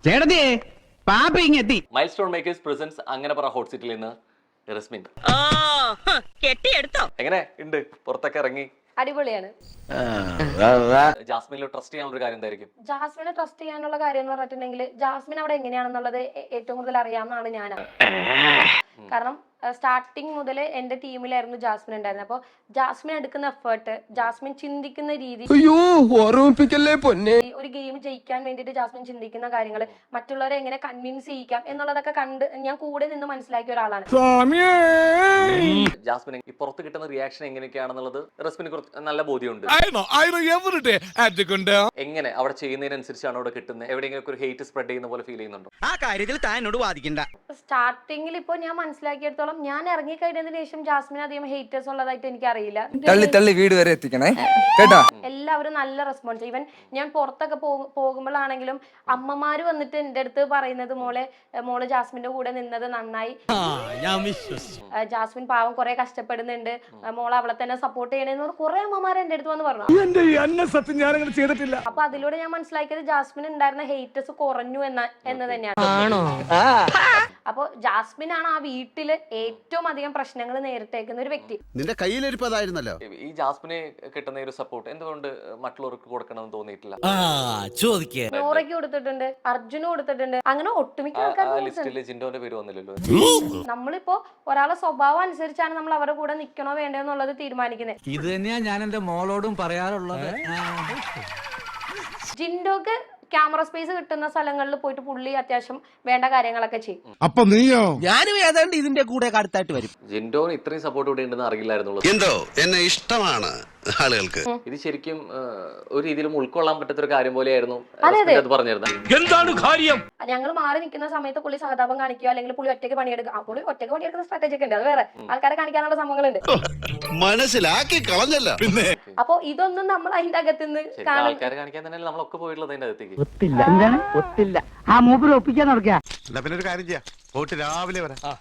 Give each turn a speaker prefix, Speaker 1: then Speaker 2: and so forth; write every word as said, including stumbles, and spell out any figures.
Speaker 1: ചേട്ടത്തിയേ പാപ്പ ഇങ്ങെത്തി.
Speaker 2: Milestone makers presence അങ്ങനെ പറ ഹോട്ട് സീറ്റിൽ നിന്ന് റസ്മിൻ
Speaker 3: കെട്ടിയെടുത്തോ?
Speaker 2: എങ്ങനെ ഉണ്ട്? പുറത്തൊക്കെ ഇറങ്ങി
Speaker 4: അടിപൊളിയാണ്.
Speaker 2: ജാസ്മിനിൽ ട്രസ്റ്റ് ചെയ്യാനുള്ള ഒരു കാര്യം എന്തായിരിക്കും?
Speaker 4: ജാസ്മിനെ ട്രസ്റ്റ് ചെയ്യാനുള്ള കാര്യം എന്ന് പറഞ്ഞിട്ടുണ്ടെങ്കിൽ ജാസ്മിൻ അവിടെ എങ്ങനെയാണെന്നുള്ളത് ഏ- ഏറ്റവും കൂടുതൽ അറിയാവുന്നതാണ് ഞാൻ. കാരണം സ്റ്റാർട്ടിങ് മുതൽ എന്റെ ടീമിലായിരുന്നു ജാസ്മിൻ ഉണ്ടായിരുന്നത്. അപ്പോൾ ജാസ്മിൻ എടുക്കുന്ന എഫേർട്ട്, ജാസ്മിൻ ചിന്തിക്കുന്ന രീതി,
Speaker 5: അയ്യോ ഓർമ്മിപ്പിക്കല്ലേ പൊന്നെ.
Speaker 4: ഈ ഒരു ഗെയിം ജയിക്കാൻ വേണ്ടിയിട്ട് ജാസ്മിൻ ചിന്തിക്കുന്ന കാര്യങ്ങൾ, മറ്റുള്ളവരെ എങ്ങനെ കൺവിൻസ് ചെയ്യിക്കാം എന്നുള്ളതൊക്കെ കണ്ട് ഞാൻ കൂടെ നിന്ന് മനസ്സിലാക്കിയ ഒരാളാണ്.
Speaker 2: ജാസ്മിൻ ഈ പുറത്ത് കിട്ടുന്ന റിയാക്ഷൻ എങ്ങനെയൊക്കെയാണെന്നുള്ളത് റസ്മിന് കുറച്ച് നല്ല ബോധ്യമുണ്ട്. എങ്ങനെ അവിടെ ചെയ്യുന്നതിനനുസരിച്ചാണ് അവിടെ കിട്ടുന്നത്? എവിടെയെങ്കിലും ഒരു ഹേറ്റ് സ്പ്രെഡ് ചെയ്യുന്ന പോലെ ഫീൽ ചെയ്യുന്നുണ്ടോ?
Speaker 1: ആ കാര്യത്തിൽ താൻ എന്നോട് വാദിക്കണ്ട.
Speaker 4: സ്റ്റാർട്ടിങ്ങിൽ ഇപ്പോൾ ഞാൻ മനസ്സിലാക്കിയെടുത്തോളം ഞാൻ ഇറങ്ങി കഴിഞ്ഞതിന് ശേഷം ജാസ്മിൻ അധികം ഹേറ്റേഴ്സ് ഉള്ളതായിട്ട് എനിക്ക് അറിയില്ല.
Speaker 5: തള്ളി തള്ളി വീട് വരെ എത്തിക്കണേ കേട്ടാ.
Speaker 4: എല്ലാവരും നല്ല റെസ്പോൺസ്. ഈവൻ ഞാൻ പുറത്തൊക്കെ പോ- പോകുമ്പോഴാണെങ്കിലും അമ്മമാര് വന്നിട്ട് എന്റെ അടുത്ത് പറയുന്നത് മോളെ മോള് ജാസ്മിന്റെ കൂടെ നിന്നത് നന്നായി, ആ, ജാസ്മിൻ പാവം കുറെ കഷ്ടപ്പെടുന്നുണ്ട്, മോളെ അവളെ തന്നെ സപ്പോർട്ട് ചെയ്യണേന്ന് കുറെ അമ്മമാര് എന്റെ അടുത്ത് വന്ന് പറഞ്ഞു.
Speaker 5: സത്യം ഞാൻ അങ്ങനെ ചെയ്തിട്ടില്ല.
Speaker 4: അപ്പൊ അതിലൂടെ ഞാൻ മനസ്സിലാക്കിയത് ജാസ്മിൻ ഉണ്ടായിരുന്ന ഹേറ്റേഴ്സ് കുറഞ്ഞു എന്ന എന്ന് തന്നെയാണ്. അപ്പൊ ജാസ്മിൻ ആണ് ആ വീട്ടില് ഏറ്റവും അധികം പ്രശ്നങ്ങൾ നേരിട്ടേക്കുന്ന ഒരു വ്യക്തി.
Speaker 6: നിന്റെ കയ്യിലിരിപ്പതായിരുന്നല്ലോ.
Speaker 2: ഈ ജാസ്മിനെ കിട്ടുന്ന ഒരു സപ്പോർട്ട് എന്തുകൊണ്ട് മറ്റുള്ളവർക്ക് കൊടുക്കണമെന്ന് തോന്നിയിട്ടില്ല?
Speaker 4: നോറയ്ക്ക് കൊടുത്തിട്ടുണ്ട്, അർജുന് കൊടുത്തിട്ടുണ്ട്, അങ്ങനെ ഒട്ടുമിക്ക
Speaker 2: ആ
Speaker 4: ആൾക്കാർക്ക്
Speaker 2: ലിസ്റ്റില് ജിൻഡോന്റെ പേര് വന്നില്ലല്ലോ.
Speaker 4: നമ്മളിപ്പോ ഒരാളെ സ്വഭാവം അനുസരിച്ചാണ് നമ്മൾ അവരുടെ കൂടെ നിക്കണോ വേണ്ടോ എന്നുള്ളത് തീരുമാനിക്കുന്നത്.
Speaker 1: ഇത് തന്നെയാ ഞാൻ എന്റെ മോളോടും പറയാറുള്ളത്.
Speaker 4: ജിൻഡോക്ക് ക്യാമറ സ്പേസ് കിട്ടുന്ന സ്ഥലങ്ങളിൽ പോയിട്ട് പുള്ളി അത്യാവശ്യം വേണ്ട കാര്യങ്ങളൊക്കെ ചെയ്യും.
Speaker 5: അപ്പൊ നീയോ?
Speaker 1: ഞാനും ഏതാണ്ട് ഇതിന്റെ കൂടെ അടുത്തായിട്ട് വരും.
Speaker 2: ജിൻഡോന് ഇത്രയും സപ്പോർട്ട് ഇവിടെ ഉണ്ടെന്ന് അറിയില്ലായിരുന്നുള്ളൂ.
Speaker 6: എന്തോ എന്നെ ഇഷ്ടമാണ് ആളുകൾക്ക്.
Speaker 2: ഇത് ശരിക്കും ആ, ഒരു രീതിയിലും ഉൾക്കൊള്ളാൻ പറ്റാത്ത ഒരു കാര്യം പോലെയായിരുന്നു
Speaker 4: അതെ,
Speaker 2: റസ്മിൻ അത് പറഞ്ഞിരുന്നത്.
Speaker 1: എന്താണ് കാര്യം?
Speaker 4: ഞങ്ങൾ മാറി നിൽക്കുന്ന സമയത്ത് പുള്ളി സഹതാപം കാണിക്കുക, അല്ലെങ്കിൽ പുള്ളി ഒറ്റയ്ക്ക് പണിയെടുക്കുക. ആ പുള്ളി ഒറ്റയ്ക്ക് പണിയെടുക്കുന്ന സ്ട്രാറ്റജി ഒക്കെ ഉണ്ട്, അത് വേറെ ആൾക്കാരെ കാണിക്കാനുള്ള സംഭവങ്ങളുണ്ട്.
Speaker 6: മനസ്സിലാക്കി കളഞ്ഞല്ല പിന്നെ.
Speaker 4: അപ്പൊ ഇതൊന്നും നമ്മൾ അതിന്റെ അകത്തുനിന്ന്
Speaker 2: ശരിക്കും
Speaker 4: കാണും.
Speaker 2: ആൾക്കാരെ കാണിക്കാൻ തന്നെയല്ലേ നമ്മളൊക്കെ പോയിട്ടുള്ളത് അതിന്റെ അകത്തേക്ക്.
Speaker 7: ഒത്തില്ല എന്താണ് ഒത്തില്ല ആ മൂപ്പര് ഒപ്പിക്കാൻ നടക്കുക.
Speaker 6: എന്നാ പിന്നെ ഒരു കാര്യം ചെയ്യാം, പോയിട്ട് രാവിലെ വരാം.